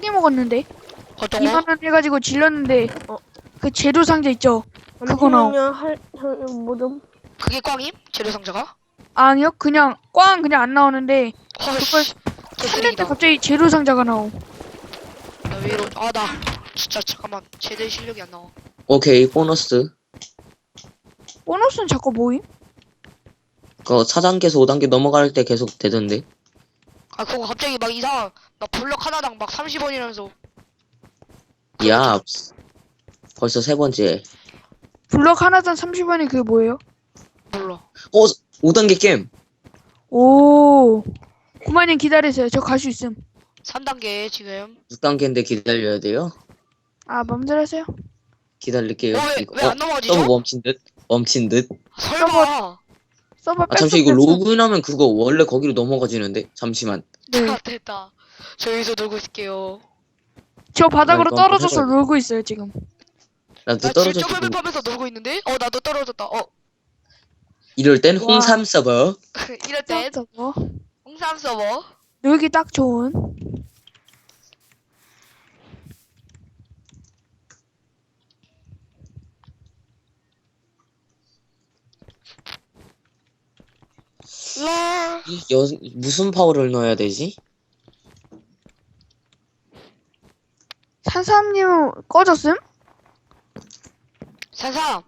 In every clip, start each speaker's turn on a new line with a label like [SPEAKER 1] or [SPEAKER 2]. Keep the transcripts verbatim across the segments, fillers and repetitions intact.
[SPEAKER 1] 개 먹었는데
[SPEAKER 2] 어떤 거?
[SPEAKER 1] 이만 원 해가지고 질렀는데
[SPEAKER 3] 어.
[SPEAKER 1] 그 재료 상자 있죠? 그거 나오.
[SPEAKER 3] 잠시만요. 할, 할, 뭐 좀.
[SPEAKER 2] 그게 꽝임? 재료 상자가?
[SPEAKER 1] 아니요, 그냥 꽝 그냥 안 나오는데
[SPEAKER 2] 헐씨.
[SPEAKER 1] 찾는데
[SPEAKER 2] 개쓰레기다.
[SPEAKER 1] 갑자기 재료 상자가 나오.
[SPEAKER 2] 나 왜 이러? 아 나 진짜 잠깐만 제대 실력이 안 나와.
[SPEAKER 4] 오케이, 보너스.
[SPEAKER 1] 보너스는 자꾸 모임?
[SPEAKER 4] 그 사 단계에서 오 단계 넘어갈 때 계속 되던데.
[SPEAKER 2] 아 그거 갑자기 막 이상 막 블럭 하나당 막 삼십 원이라면서.
[SPEAKER 4] 야, 벌써 세 번째.
[SPEAKER 1] 블럭 하나당 삼십 원이 그게 뭐예요?
[SPEAKER 2] 몰라.
[SPEAKER 4] 어, 오 단계 게임.
[SPEAKER 1] 오, 구만님 기다리세요. 저 갈 수 있음.
[SPEAKER 2] 삼 단계 지금.
[SPEAKER 4] 육 단계인데 기다려야 돼요.
[SPEAKER 1] 아, 맘대로 하세요.
[SPEAKER 4] 기다릴게요.
[SPEAKER 2] 어, 왜,
[SPEAKER 4] 이거-
[SPEAKER 2] 왜 안 넘어가지죠?
[SPEAKER 4] 서버 멈춘 듯? 멈춘 듯?
[SPEAKER 2] 설마.
[SPEAKER 1] 서버
[SPEAKER 4] 아,
[SPEAKER 1] 뺐어.
[SPEAKER 4] 잠시 이거
[SPEAKER 1] 뺐어.
[SPEAKER 4] 로그인하면 그거 원래 거기로 넘어가지는데? 잠시만.
[SPEAKER 1] 네.
[SPEAKER 2] 아, 됐다. 저 여기서 놀고 있을게요.
[SPEAKER 1] 저 바닥으로
[SPEAKER 4] 이거
[SPEAKER 1] 떨어져서
[SPEAKER 4] 해봐야 돼.
[SPEAKER 1] 놀고 있어요 지금.
[SPEAKER 4] 나도
[SPEAKER 2] 나
[SPEAKER 4] 떨어졌어.
[SPEAKER 2] 질적 맵 하면서 놀고 있는데? 어 나도 떨어졌다. 어
[SPEAKER 4] 이럴 땐
[SPEAKER 1] 와.
[SPEAKER 4] 홍삼 서버.
[SPEAKER 2] 이럴 땐
[SPEAKER 1] 서버
[SPEAKER 2] 홍삼 서버.
[SPEAKER 1] 놀기 딱 좋은.
[SPEAKER 2] 라.
[SPEAKER 4] 이 여, 무슨 파워를 넣어야 되지?
[SPEAKER 1] 산삼님 꺼졌음?
[SPEAKER 2] 산삼.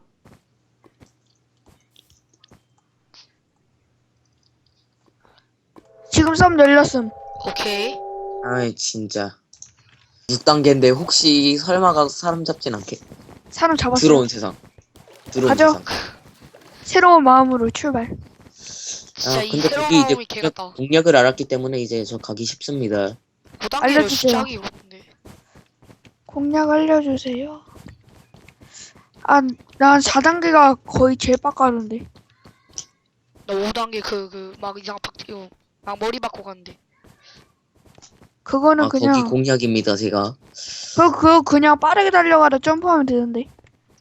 [SPEAKER 1] 지금 썸 열렸음.
[SPEAKER 2] 오케이.
[SPEAKER 4] 아이, 진짜. 육 단계인데 혹시 설마가 사람 잡진 않게?
[SPEAKER 1] 사람 잡았어요.
[SPEAKER 4] 들어온 세상. 들어온
[SPEAKER 1] 가죠.
[SPEAKER 4] 세상.
[SPEAKER 1] 새로운 마음으로 출발.
[SPEAKER 2] 진짜
[SPEAKER 4] 아,
[SPEAKER 2] 이
[SPEAKER 4] 근데
[SPEAKER 2] 새로운
[SPEAKER 4] 그게 이제
[SPEAKER 2] 마음이 개같다.
[SPEAKER 4] 공략을 알았기 때문에 이제 저 가기 쉽습니다.
[SPEAKER 2] 오 단계를
[SPEAKER 1] 알려주세요.
[SPEAKER 2] 진짜 하기 어렵던데.
[SPEAKER 1] 공략 알려주세요. 아, 난 사 단계가 거의 제일 빡가는데.
[SPEAKER 2] 나 오 단계 그 그 막 이상 박 이거 막 머리 박고 갔는데.
[SPEAKER 1] 그거는
[SPEAKER 4] 아,
[SPEAKER 1] 그냥
[SPEAKER 4] 거기 공략입니다, 제가.
[SPEAKER 1] 그거 그거 그냥 빠르게 달려가다 점프하면 되는데.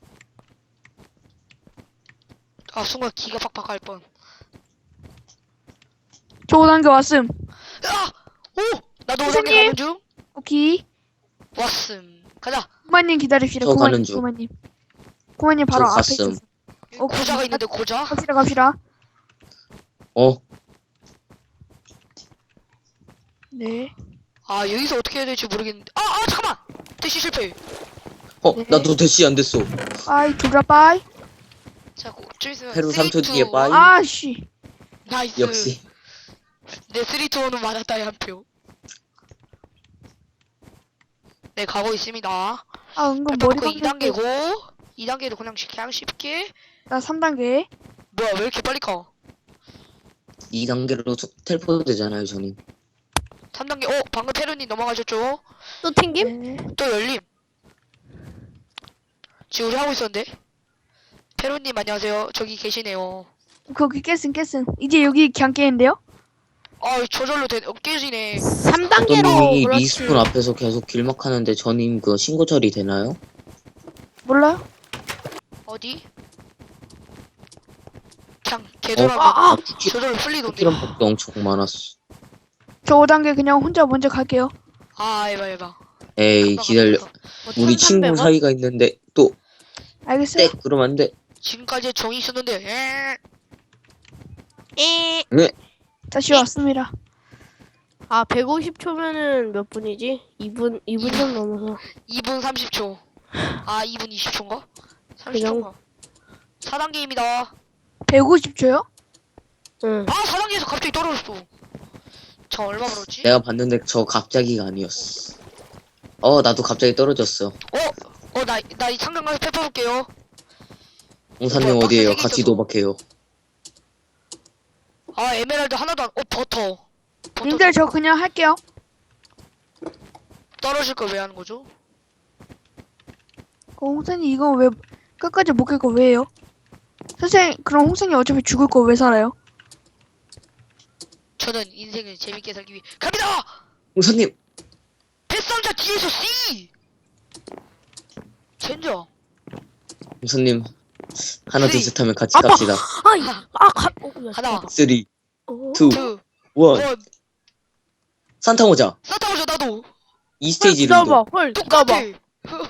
[SPEAKER 2] 아 순간 기가 팍팍 할 뻔.
[SPEAKER 1] 저 오 단계 왔음.
[SPEAKER 2] 아! 오! 나도 오 단계
[SPEAKER 1] 선생님?
[SPEAKER 2] 가는 중.
[SPEAKER 1] 오케이.
[SPEAKER 2] 왔음. 가자.
[SPEAKER 1] 구만님 기다립시다.
[SPEAKER 4] 저
[SPEAKER 1] 구만님,
[SPEAKER 4] 가는 중.
[SPEAKER 1] 구만님. 구만님 바로
[SPEAKER 4] 저
[SPEAKER 1] 앞에
[SPEAKER 4] 갔음.
[SPEAKER 1] 있었어. 어,
[SPEAKER 2] 고자가 있는데 고자?
[SPEAKER 1] 갑시다, 갑시다.
[SPEAKER 4] 어,
[SPEAKER 1] 네.
[SPEAKER 2] 아 여기서 어떻게 해야 될지 모르겠는데. 아, 아 잠깐만. 대시 실패.
[SPEAKER 4] 어,
[SPEAKER 1] 네.
[SPEAKER 4] 나도 대시 안 됐어.
[SPEAKER 1] 빠이, 둘다 빠이.
[SPEAKER 2] 자, 고- 좀 있으면
[SPEAKER 4] 페루
[SPEAKER 2] 쓰리,
[SPEAKER 4] 삼 초
[SPEAKER 2] 투,
[SPEAKER 4] 뒤에 빠이.
[SPEAKER 2] 원.
[SPEAKER 1] 아씨.
[SPEAKER 2] 나이스.
[SPEAKER 4] 역시.
[SPEAKER 2] 내 삼, 이, 일은 맞았다의 한 표. 네, 가고 있습니다.
[SPEAKER 1] 아, 은근 머리
[SPEAKER 2] 그 이
[SPEAKER 1] 박는데.
[SPEAKER 2] 단계고 이 단계도 그냥 쉽- 그냥 쉽게.
[SPEAKER 1] 나 삼 단계.
[SPEAKER 2] 뭐야, 왜 이렇게 빨리 가?
[SPEAKER 4] 이 단계로 텔포 되잖아요, 저는.
[SPEAKER 2] 삼 단계. 어, 방금 페루님 넘어가셨죠?
[SPEAKER 3] 또 튕김?
[SPEAKER 1] 네.
[SPEAKER 2] 또 열림. 지금 우리 하고 있었는데. 페루님 안녕하세요. 저기 계시네요.
[SPEAKER 1] 거기 깼음, 깼음. 이제 여기 그냥 깨는데요?
[SPEAKER 2] 아, 저절로 되, 어, 깨지네.
[SPEAKER 3] 삼
[SPEAKER 4] 어떤
[SPEAKER 3] 단계로
[SPEAKER 4] 님이
[SPEAKER 3] 그렇지.
[SPEAKER 4] 리스폰 앞에서 계속 길막하는데 저님 그 신고 처리 되나요?
[SPEAKER 1] 몰라요?
[SPEAKER 2] 어디? 그냥 개돌아면
[SPEAKER 3] 아, 아.
[SPEAKER 2] 저절로 풀리던데.
[SPEAKER 4] 쿠키런 법도 엄청 많았어.
[SPEAKER 1] 저 오 단계 그냥 혼자 먼저 갈게요.
[SPEAKER 2] 아, 에바 에바.
[SPEAKER 4] 에이,
[SPEAKER 2] 금방
[SPEAKER 4] 기다려.
[SPEAKER 2] 갔다.
[SPEAKER 3] 뭐
[SPEAKER 4] 우리 친구
[SPEAKER 3] 천삼백 원?
[SPEAKER 4] 사이가 있는데 또
[SPEAKER 1] 알겠어요?
[SPEAKER 4] 땡! 그러면 안 돼.
[SPEAKER 2] 지금까지 정이 있었는데. 에.
[SPEAKER 3] 에.
[SPEAKER 4] 네.
[SPEAKER 1] 다시 왔습니다.
[SPEAKER 3] 아, 백오십 초면은 몇 분이지? 이 분, 이 분 좀 넘어서.
[SPEAKER 2] 이 분 삼십 초. 아, 이 분 이십 초인가? 삼십
[SPEAKER 3] 그냥-
[SPEAKER 2] 초인가? 사 단계입니다.
[SPEAKER 1] 백오십 초요?
[SPEAKER 3] 응.
[SPEAKER 2] 아, 사 단계에서 갑자기 떨어졌어. 저 얼마 벌었지?
[SPEAKER 4] 내가 봤는데 저 갑자기가 아니었어. 어, 나도 갑자기 떨어졌어.
[SPEAKER 2] 어, 어, 나, 나 이 창강 가서 펴볼게요.
[SPEAKER 4] 홍사님
[SPEAKER 2] 뭐야,
[SPEAKER 4] 어디에요?
[SPEAKER 2] 박스
[SPEAKER 4] 같이
[SPEAKER 2] 생겼어.
[SPEAKER 4] 도박해요.
[SPEAKER 2] 아, 에메랄드 하나도 안, 어, 버터. 버터
[SPEAKER 1] 님들 저 그냥 할게요.
[SPEAKER 2] 떨어질 걸 왜 하는 거죠?
[SPEAKER 1] 그 홍선이 이거 왜 끝까지 못 깰 거 왜요? 선생님, 그럼 홍선이 어차피 죽을 거 왜 살아요?
[SPEAKER 2] 저는 인생을 재밌게 살기 위해 갑니다!
[SPEAKER 4] 홍사님!
[SPEAKER 2] 뱃상자 뒤에서 C! 젠저.
[SPEAKER 4] 홍사님 하나
[SPEAKER 2] 쓰리.
[SPEAKER 4] 둘셋 하면 같이
[SPEAKER 3] 아빠!
[SPEAKER 4] 갑시다.
[SPEAKER 3] 아이, 아, 가, 어, 야,
[SPEAKER 2] 하나,
[SPEAKER 4] 쓰리,
[SPEAKER 3] 어,
[SPEAKER 4] 투,
[SPEAKER 2] 투,
[SPEAKER 4] 원.
[SPEAKER 2] 원.
[SPEAKER 4] 산타 모자.
[SPEAKER 2] 산타 모자 나도.
[SPEAKER 4] 이 스테이지로
[SPEAKER 3] 기다려봐.
[SPEAKER 4] 이동.
[SPEAKER 3] 헐,
[SPEAKER 2] 똑같아.
[SPEAKER 3] 기다려봐.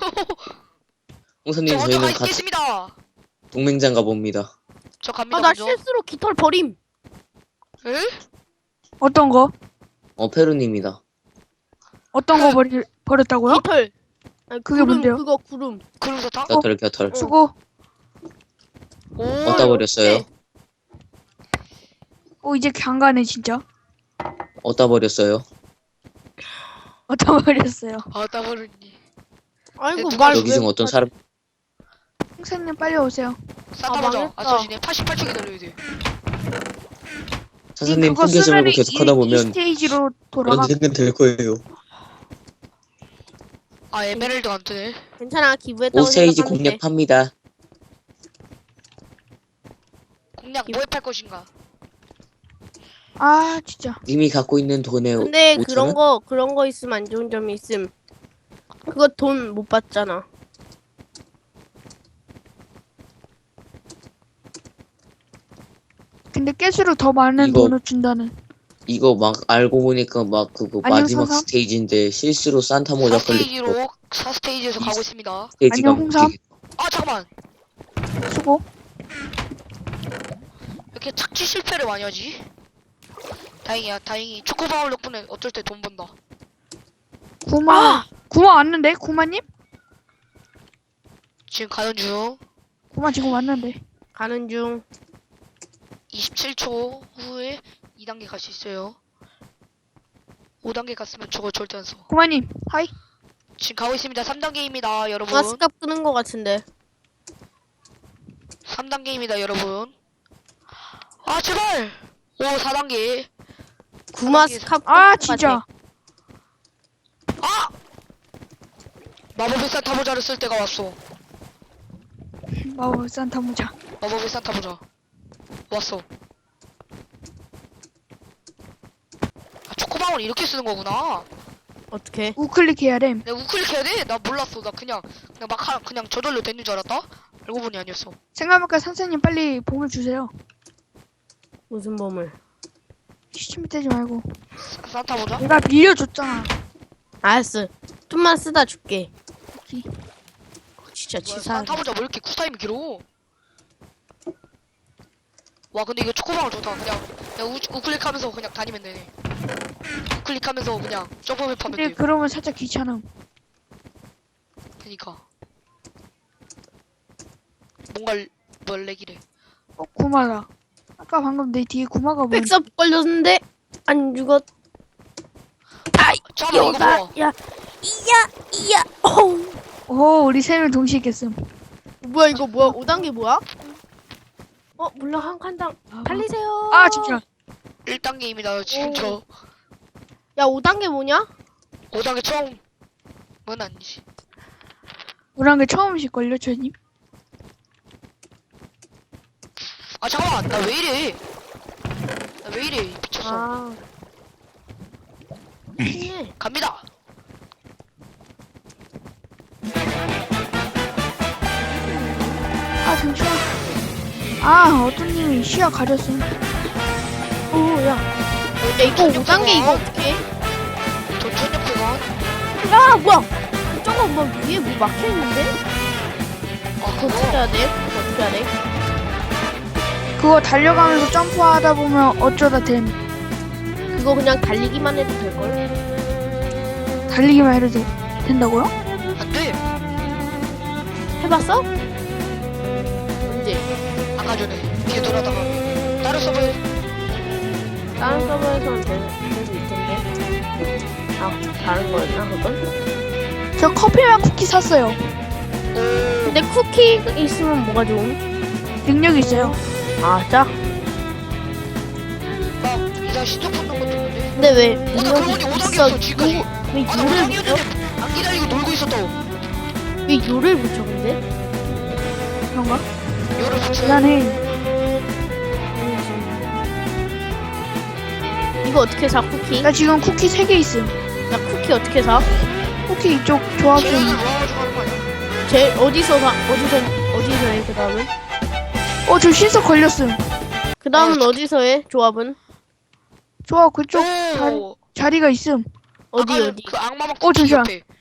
[SPEAKER 4] 홍사님
[SPEAKER 2] 저 먼저 가
[SPEAKER 4] 저희는 같이
[SPEAKER 2] 있겠습니다.
[SPEAKER 4] 동맹장 가봅니다.
[SPEAKER 2] 저 갑니다.
[SPEAKER 3] 아, 나
[SPEAKER 2] 먼저.
[SPEAKER 3] 실수로 깃털 버림.
[SPEAKER 2] 에?
[SPEAKER 1] 어떤 거?
[SPEAKER 4] 어 페루님이다.
[SPEAKER 1] 어떤 거 버리, 버렸다고요?
[SPEAKER 3] 깃털. 아니,
[SPEAKER 1] 그게
[SPEAKER 3] 구름,
[SPEAKER 1] 뭔데요?
[SPEAKER 3] 그거 구름.
[SPEAKER 2] 구름사탕?
[SPEAKER 4] 겨털 겨털.
[SPEAKER 1] 수고.
[SPEAKER 2] 오.
[SPEAKER 4] 어디다 버렸어요?
[SPEAKER 1] 어, 이제 강가네, 진짜.
[SPEAKER 4] 어디다 버렸어요?
[SPEAKER 1] 어떤 거 버렸어요?
[SPEAKER 2] 아, 따버렸니.
[SPEAKER 3] 아이고,
[SPEAKER 2] 누가
[SPEAKER 3] 말
[SPEAKER 4] 여기
[SPEAKER 3] 왜
[SPEAKER 4] 중 어떤
[SPEAKER 3] 못하지?
[SPEAKER 4] 사람
[SPEAKER 1] 홍사님 빨리 오세요.
[SPEAKER 2] 산타
[SPEAKER 3] 아,
[SPEAKER 2] 보자.
[SPEAKER 3] 망했다.
[SPEAKER 2] 안 써지네. 팔십팔 초 기다려야 돼.
[SPEAKER 4] 사사님
[SPEAKER 1] 그거
[SPEAKER 4] 포기하지
[SPEAKER 1] 쓰면은
[SPEAKER 4] 말고 계속
[SPEAKER 1] 이-
[SPEAKER 4] 하다
[SPEAKER 1] 이
[SPEAKER 4] 보면
[SPEAKER 1] 스테이지로 돌아가.
[SPEAKER 4] 언젠간 될 거예요.
[SPEAKER 2] 아, 에메랄드가 안 뜨네.
[SPEAKER 3] 괜찮아, 기부했다고
[SPEAKER 4] 오 스테이지
[SPEAKER 3] 생각하면 돼.
[SPEAKER 4] 공략합니다.
[SPEAKER 2] 공략 뭐에 팔 것인가?
[SPEAKER 1] 아, 진짜.
[SPEAKER 4] 님이 갖고 있는 돈의
[SPEAKER 3] 근데
[SPEAKER 4] 오천
[SPEAKER 3] 그런
[SPEAKER 4] 원?
[SPEAKER 3] 거 그런 거 있으면 안 좋은 점이 있음. 그거 돈 못 받잖아.
[SPEAKER 1] 근데 깨수록 더 많은
[SPEAKER 4] 이거-
[SPEAKER 1] 돈을 준다는.
[SPEAKER 4] 이거 막 알고 보니까 막 그거
[SPEAKER 1] 안녕,
[SPEAKER 4] 마지막
[SPEAKER 1] 선삼.
[SPEAKER 4] 스테이지인데 실수로 산타 모자
[SPEAKER 2] 사
[SPEAKER 4] 걸리고
[SPEAKER 2] 스테이지로 사 스테이지에서
[SPEAKER 4] 이-
[SPEAKER 2] 가고 있습니다.
[SPEAKER 4] 스테이지가
[SPEAKER 1] 안녕, 홍삼.
[SPEAKER 4] 멈추게.
[SPEAKER 2] 아, 잠깐만.
[SPEAKER 1] 수고.
[SPEAKER 2] 이렇게 착지 실패를 많이 하지? 다행이야, 다행히 초코바울 덕분에 어쩔 때 돈 번다.
[SPEAKER 1] 구마. 구마 왔는데? 구마님?
[SPEAKER 2] 지금 가는 중.
[SPEAKER 1] 구마 지금 왔는데.
[SPEAKER 3] 가는 중.
[SPEAKER 2] 이십칠 초 후에 이 단계 갈 수 있어요. 오 단계 갔으면 저거 절대 안 써.
[SPEAKER 1] 구마님, 하이.
[SPEAKER 2] 지금 가고 있습니다. 삼 단계입니다, 여러분.
[SPEAKER 3] 아, 스캅 끄는 거 같은데.
[SPEAKER 2] 삼 단계입니다, 여러분. 아, 제발! 오, 사 단계.
[SPEAKER 3] 구마
[SPEAKER 2] 단계에서-
[SPEAKER 3] 스캅
[SPEAKER 1] 아,
[SPEAKER 3] 끄는 거
[SPEAKER 1] 진짜.
[SPEAKER 3] 같아.
[SPEAKER 2] 아! 마법의 산타 모자를 쓸 때가 왔어.
[SPEAKER 1] 마법 산타 모자.
[SPEAKER 2] 마법의 산타 모자. 왔어. 아, 초코방울 이렇게 쓰는 거구나.
[SPEAKER 3] 어떻게?
[SPEAKER 1] 우클릭 해야 됨.
[SPEAKER 2] 내가 우클릭 해야 돼? 나 몰랐어. 나 그냥, 그냥 막, 하, 그냥 저절로 됐는 줄 알았다? 알고 보니 아니었어.
[SPEAKER 1] 생각해보니까 선생님 빨리 보물 주세요.
[SPEAKER 3] 무슨 보물?
[SPEAKER 1] 시침이 떼지 말고.
[SPEAKER 2] 사- 산타 모자?
[SPEAKER 1] 내가 빌려줬잖아.
[SPEAKER 3] 알았어. 좀만 쓰다 줄게.
[SPEAKER 1] 오케이.
[SPEAKER 3] 어, 진짜
[SPEAKER 2] 뭐야,
[SPEAKER 3] 치사하네.
[SPEAKER 2] 산타 모자 왜 이렇게 쿨타임이 길어? 와, 근데 이거 초코방울 좋다. 그냥, 그냥 우, 우클릭하면서 그냥 다니면 되네. 우클릭하면서 그냥 점프맵 하면
[SPEAKER 1] 근데
[SPEAKER 2] 돼.
[SPEAKER 1] 그러면 살짝 귀찮음.
[SPEAKER 2] 그니까. 뭔가, 뭘 렉이래.
[SPEAKER 1] 어, 구마다. 아까 방금 내 뒤에 구마가 보였는데.
[SPEAKER 3] 백섭 걸렸는데 안 죽었.
[SPEAKER 2] 잠깐만, 이거
[SPEAKER 3] 여다.
[SPEAKER 2] 뭐야?
[SPEAKER 3] 야, 이야, 이야. 어우.
[SPEAKER 1] 오, 우리 세 명 동시에 깼음.
[SPEAKER 3] 뭐야 이거 뭐야? 오 단계 뭐야? 어, 물론 한 칸당
[SPEAKER 1] 아,
[SPEAKER 3] 달리세요.
[SPEAKER 1] 아, 진짜.
[SPEAKER 2] 일 단계입니다, 지금
[SPEAKER 3] 오.
[SPEAKER 2] 저.
[SPEAKER 3] 야, 오 단계 뭐냐?
[SPEAKER 2] 오 단계 처음은 아니지.
[SPEAKER 1] 우랑 게 처음이실걸요, 저님?
[SPEAKER 2] 아, 잠깐만, 나 왜 이래? 나 왜 이래? 미쳤어.
[SPEAKER 3] 아. 네.
[SPEAKER 2] 갑니다.
[SPEAKER 1] 아, 잠시만. 아, 어떤 님이 시야 가렸음.
[SPEAKER 3] 오, 야. 야, 이거 오 단계 이거 어떻게?
[SPEAKER 2] 저 천연표가.
[SPEAKER 3] 야, 뭐야? 저거 뭐 위에 뭐 막혀 있는데?
[SPEAKER 2] 아,
[SPEAKER 3] 그거 어떻게
[SPEAKER 2] 그거.
[SPEAKER 3] 해야 돼? 그거 어떻게 해야 돼?
[SPEAKER 1] 그거 달려가면서 점프하다 보면 어쩌다 됨.
[SPEAKER 3] 그거 그냥 달리기만 해도 될 걸?
[SPEAKER 1] 달리기만 해도 돼. 된다고요?
[SPEAKER 2] 안 돼.
[SPEAKER 3] 해봤어? 언제?
[SPEAKER 2] 아까 전에 개돌하다가 다른 서버에
[SPEAKER 3] 다른 서버에서는 될 수 있던데. 아, 다른 거였나 그건?
[SPEAKER 1] 저 커피랑 쿠키 샀어요.
[SPEAKER 3] 근데 쿠키 있으면 뭐가 좋음?
[SPEAKER 1] 능력이 있어요.
[SPEAKER 3] 아, 짜?
[SPEAKER 2] 막 이상 신청 붙는 것도 있는데.
[SPEAKER 3] 근데 왜
[SPEAKER 2] 어, 나
[SPEAKER 3] 능력이
[SPEAKER 2] 그러고 보니 오
[SPEAKER 3] 있어?
[SPEAKER 2] 단계였어, 지금까지.
[SPEAKER 3] 왜
[SPEAKER 2] 아, 나 오
[SPEAKER 3] 요를
[SPEAKER 2] 단계였는데
[SPEAKER 3] 붙여?
[SPEAKER 2] 안 기다리고 놀고 있었다고.
[SPEAKER 3] 왜 요를 붙여 근데?
[SPEAKER 1] 그런가?
[SPEAKER 2] 열을 붙여.
[SPEAKER 1] 미안해.
[SPEAKER 3] 이거 어떻게 사 쿠키?
[SPEAKER 1] 나 지금 쿠키 세 개 있음.
[SPEAKER 3] 나 쿠키 어떻게 사?
[SPEAKER 1] 쿠키 이쪽 조합 좀.
[SPEAKER 2] 계란을 모아가지고 하는 거 아니야?
[SPEAKER 3] 제 어디서 사? 어디서 어디서 해? 그 다음은?
[SPEAKER 1] 어, 저 신석 걸렸음.
[SPEAKER 3] 그 다음은
[SPEAKER 2] 어,
[SPEAKER 3] 어디서 해? 조합은?
[SPEAKER 1] 조합 그쪽 자,
[SPEAKER 2] 오,
[SPEAKER 1] 자리가 있음.
[SPEAKER 3] 어디
[SPEAKER 2] 아까
[SPEAKER 3] 어디?
[SPEAKER 2] 그 악마막
[SPEAKER 1] 어,
[SPEAKER 2] 토끼
[SPEAKER 1] 잠시만.
[SPEAKER 2] 옆에.